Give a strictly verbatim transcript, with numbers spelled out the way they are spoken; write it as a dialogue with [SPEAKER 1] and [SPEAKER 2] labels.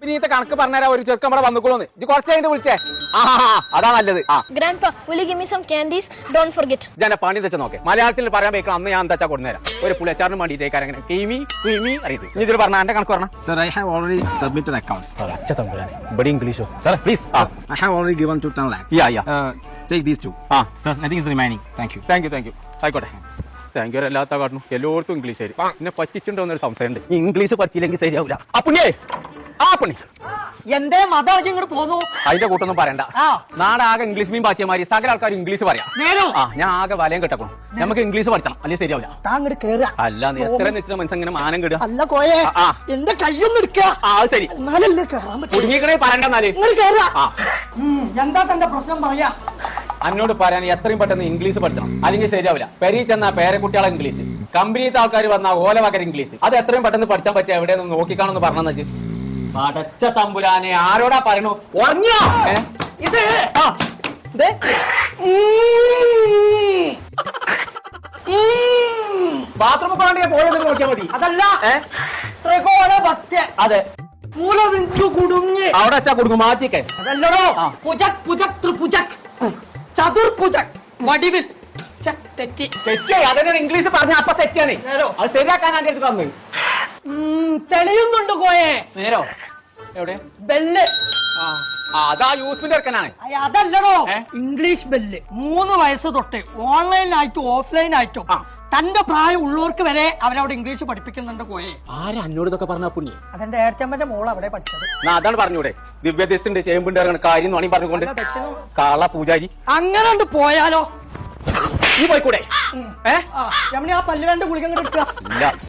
[SPEAKER 1] ഇനിത്തെ കണക്ക് പറഞ്ഞാൽ ഒരു ചെറുക്കം ഇവിടെ വന്നുകൊള്ളൂന്ന് ഇത് കുറച്ച് കഴിഞ്ഞ് വിളിച്ചേ ആ അതാ നല്ലത്. ആ
[SPEAKER 2] Grandpa, will you give me some candies? Don't forget.
[SPEAKER 1] ഞാൻ പണി തെച്ച നോക്കെ മലയാളത്തിൽ പറയാൻ വെക്കണം അന്ന് ഞാൻ എന്താ കൊടുന്നേരാം ഒരു പുളിയച്ചാറിന് വേണ്ടിയിട്ടേക്കാരം അങ്ങനെ കീമി ക്രീമി അറിയത് ഇതിൽ പറഞ്ഞ എന്റെ കണക്ക് പറഞ്ഞ
[SPEAKER 3] Sir, I have already submitted accounts.
[SPEAKER 1] ഇവിടെ ഇംഗ്ലീഷോ
[SPEAKER 3] Sir, please.
[SPEAKER 1] Ah.
[SPEAKER 3] I have already given to ten lakhs.
[SPEAKER 1] Yeah, yeah.
[SPEAKER 3] Uh, take these two.
[SPEAKER 1] ആ
[SPEAKER 3] Sir, nothing is remaining. Thank you.
[SPEAKER 1] Thank you thank you ആയിക്കോട്ടെ thank you എല്ലാത്ത കാട്ടുന്നു എല്ലാവർക്കും English ശരി പിന്നെ പറ്റിച്ചുണ്ടോ എന്നൊരു സംശയമുണ്ട് ഇംഗ്ലീഷ് പറ്റിയില്ലെങ്കിൽ ശരിയാവില്ല അപ്പുണ്യേ ആ പുണ്ണി
[SPEAKER 4] എന്തേ മതം ഇങ്ങോട്ട് പോന്നു
[SPEAKER 1] അതിന്റെ കൂട്ടൊന്നും പറയണ്ട
[SPEAKER 4] ആ.
[SPEAKER 1] നാടാകെ ഇംഗ്ലീഷ് മീൻ പാറ്റിയമാരി സകല ആൾക്കാർ ഇംഗ്ലീഷ് പറയാം
[SPEAKER 4] നേരോ
[SPEAKER 1] ആ ഞാൻ ആകെ വലയം കെട്ടക്കണം നമുക്ക് ഇംഗ്ലീഷ് പഠിക്കണം അല്ലെങ്കിൽ ശരിയാവില്ല
[SPEAKER 4] താങ്ങോട്ട് കേറുക
[SPEAKER 1] അല്ല നീ എത്ര നിശ്ചിത മനസ്സ് ഇങ്ങനെ മാനം കിടുക
[SPEAKER 4] അല്ല കോയെ
[SPEAKER 1] ആ, ആ.
[SPEAKER 4] എന്റെ കയ്യൊന്നും എടുക്കുക
[SPEAKER 1] ആ അത് ശരി
[SPEAKER 4] എന്നാലല്ലേ കേറാൻ പറ്റും
[SPEAKER 1] കുടുങ്ങിക്കണേ പറയണ്ടെന്നാല്
[SPEAKER 4] ഇങ്ങോട്ട് കേറുക
[SPEAKER 1] ആ
[SPEAKER 4] എന്താ തന്റെ പ്രശ്നം പറയാ
[SPEAKER 1] എന്നോട് പറയാൻ എത്രയും പെട്ടെന്ന് ഇംഗ്ലീഷ് പഠിക്കണം അല്ലെങ്കിൽ ശരിയാവില്ല പെരി ചെന്ന പേരക്കുട്ടികളെ ഇംഗ്ലീഷ് കമ്പനിയിലത്തെ ആൾക്കാർ വന്ന ഓല വകര ഇംഗ്ലീഷ് അത് എത്രയും പെട്ടെന്ന് പഠിച്ചാൻ പറ്റിയ എവിടെ നിന്ന് നോക്കിക്കാണെന്ന് പറഞ്ഞെന്ന് വെച്ച് പടച്ച തമ്പുരാനെ ആരോടാ പറയണു ഉറങ്ങിയോ
[SPEAKER 4] ഇത്
[SPEAKER 1] ആ
[SPEAKER 4] ദേ.
[SPEAKER 1] ബാത്റൂമിൽ പോകണ്ടേ പോയത് നോക്കിയാൽ മതി
[SPEAKER 4] അതല്ല
[SPEAKER 1] ഏ
[SPEAKER 4] ത്രികോണ ഭക്ത്യ
[SPEAKER 1] അതെ
[SPEAKER 4] മൂലബിന്ദു കുടുങ്ങി
[SPEAKER 1] അവിടെ വെച്ചാ കൊടുക്കും മാറ്റിക്കേ
[SPEAKER 4] അതല്ലടോ
[SPEAKER 1] ആ.
[SPEAKER 4] പുജക് പുജക് ത്രിപുജക് ചതുർപുജക് വടിവിൽ ഛെ, തെറ്റി
[SPEAKER 1] തെറ്റേ അതന്നെ ഇംഗ്ലീഷ് പറഞ്ഞ അപ്പൊ തെറ്റാണ്
[SPEAKER 4] നേരോ
[SPEAKER 1] അത് ശരിയാക്കാൻ ആന്റെ അടുത്ത് തന്നു
[SPEAKER 4] ഉം, തെളിയുന്നുണ്ട് കോയെ
[SPEAKER 1] നേരോ എവിടെ
[SPEAKER 4] ബെല്ല്
[SPEAKER 1] ആ ആ, അതാ യൂസ്ഫിന്റെ ഇറക്കാനാണ്
[SPEAKER 4] അയ്യ, അതല്ലടോ
[SPEAKER 1] ഏ?
[SPEAKER 4] ഇംഗ്ലീഷ് ബെല്ല് മൂന്ന് വയസ്സ് തൊട്ട് ഓൺലൈനായിട്ടും ഓഫ്ലൈനായിട്ടും
[SPEAKER 1] ആ.
[SPEAKER 4] തന്റെ പ്രായം ഉള്ളവർക്ക് വരെ അവരവിടെ ഇംഗ്ലീഷ് പഠിപ്പിക്കുന്നുണ്ട് കോയെ
[SPEAKER 1] ആരാ അന്നോട് ഇതൊക്കെ പറഞ്ഞ പുണ്യ
[SPEAKER 4] അതെന്റെ ഏട്ടമ്മന്റെ മോൾ അവിടെ പഠിച്ചത്
[SPEAKER 1] അതാണ് പറഞ്ഞൂടെ ദിവ്യദൃഷ്ടിണ്ട് ചേമ്പുണ്ട് ഇറങ്ങുന്ന കാര്യം വേണമെങ്കിൽ പറഞ്ഞുകൊണ്ട്
[SPEAKER 4] അല്ല, ദക്ഷിണ-
[SPEAKER 1] കാള പൂജാരി
[SPEAKER 4] അങ്ങനെ പോയാലോ
[SPEAKER 1] നീ പോയിക്കൂടെ ഏ
[SPEAKER 4] ആ രമണി ആ പല്ലുവേണ്ട ഗുളിക അങ്ങോട്ട് എടുക്കുക
[SPEAKER 1] ഇല്ല